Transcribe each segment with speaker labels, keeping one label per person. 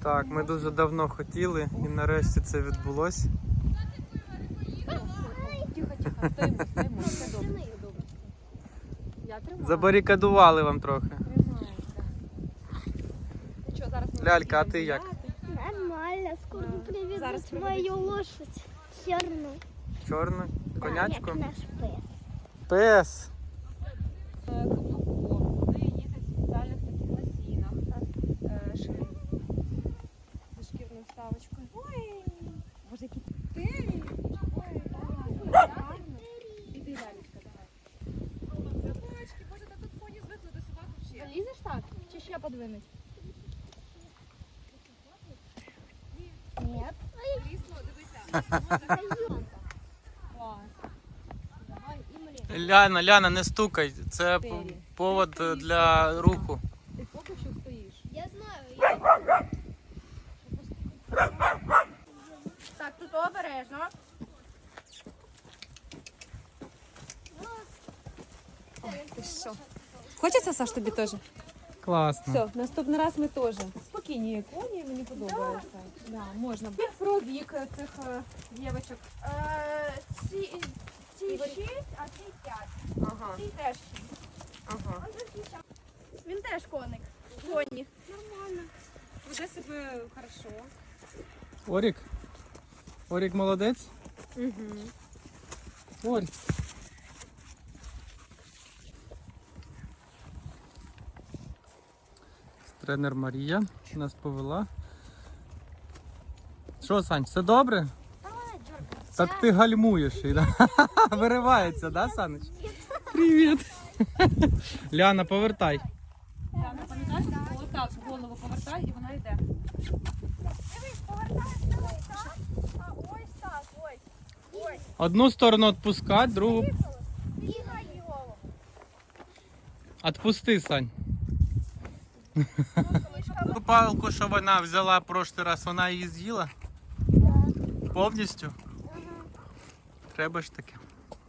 Speaker 1: Так, ми дуже давно хотіли і нарешті це відбулося.
Speaker 2: Тихо, стоїмо, все добре. Я тримаю.
Speaker 1: Забарикадували вам трохи.
Speaker 2: Тримаю, так. Зараз ми
Speaker 1: Лялька, а
Speaker 2: будемо
Speaker 1: ти як?
Speaker 2: гуляти.
Speaker 3: Нормально, скоро
Speaker 2: Зараз
Speaker 3: приведут мою лошадь черную.
Speaker 1: Чорну? Конячку?
Speaker 3: Як наш пес.
Speaker 1: Пес.
Speaker 2: Каблуком. Вони їздять в спеціальних таких насінах. Шиї. Зі шкірною вставочкою. Ой, боже, які пері. Ой, гарно. Іди, лялечка, давай. Собачки, боже, та тут коні звикли до собак взагалі. Залізеш так? Чи ще подвинуть?
Speaker 3: Нет.
Speaker 2: Крісло, дивися. Клас. Давай, і млі.
Speaker 1: Ляна, не стукай. Це повод для руху.
Speaker 2: Ти поки що стоїш.
Speaker 3: Я знаю.
Speaker 2: Так, тут обережно. Ти що? Хочеться, Саш, тобі теж?
Speaker 1: Класно.
Speaker 2: Все, наступний раз ми теж. Спокійні коні, мені подобається. Да, можна. Про вік цих дівчаток.
Speaker 3: Ці 6, а ці 5.
Speaker 2: Ага,
Speaker 3: Ці теж 6.
Speaker 2: ага.
Speaker 3: Він теж коник. Коні.
Speaker 2: Нормально. Веде себе хорошо.
Speaker 1: Орік? Орік молодець?
Speaker 2: Угу.
Speaker 1: Орік. Тренер Марія нас повела. Що, Сань, все добре? Так ти гальмуєш і да? Виривається, да, Саныч? Привіт. Ляна, повертай.
Speaker 2: Яна, пам'ятаєш, отак голову повертай і вона йде.
Speaker 3: Дивись, повертаєш так, а ось так, ось. Ось.
Speaker 1: Одну сторону відпускати, другу
Speaker 3: Бігай голову.
Speaker 1: відпусти, Сань. Ту палку, що вона взяла прошлий раз, вона її з'їла? Повністю? Треба ж таки.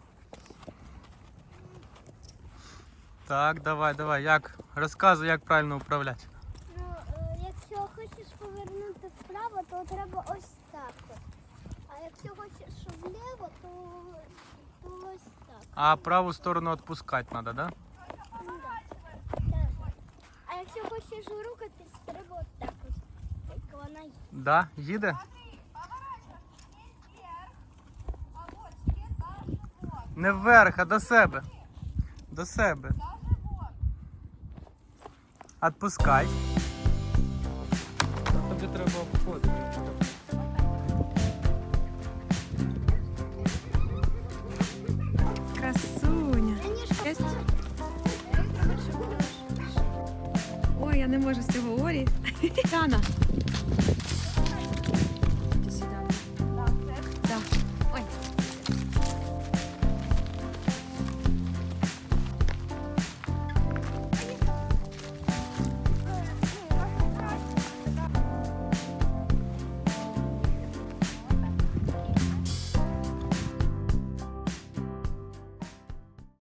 Speaker 1: Так, давай. Як? Розказуй, як правильно управляти.
Speaker 3: Ну, якщо хочеш повернути вправо, то треба ось так. А якщо хочеш вліво, то ось так.
Speaker 1: А праву сторону відпускати треба, да?
Speaker 3: А якщо хочеш рухатись, треба отак ось. Як вона є.
Speaker 1: Да? Їде? Не вверх, а до себе. До себе. Отпускай. Тобі треба обходити.
Speaker 2: Красуня. Ой, я не можу з цього орі. Яна,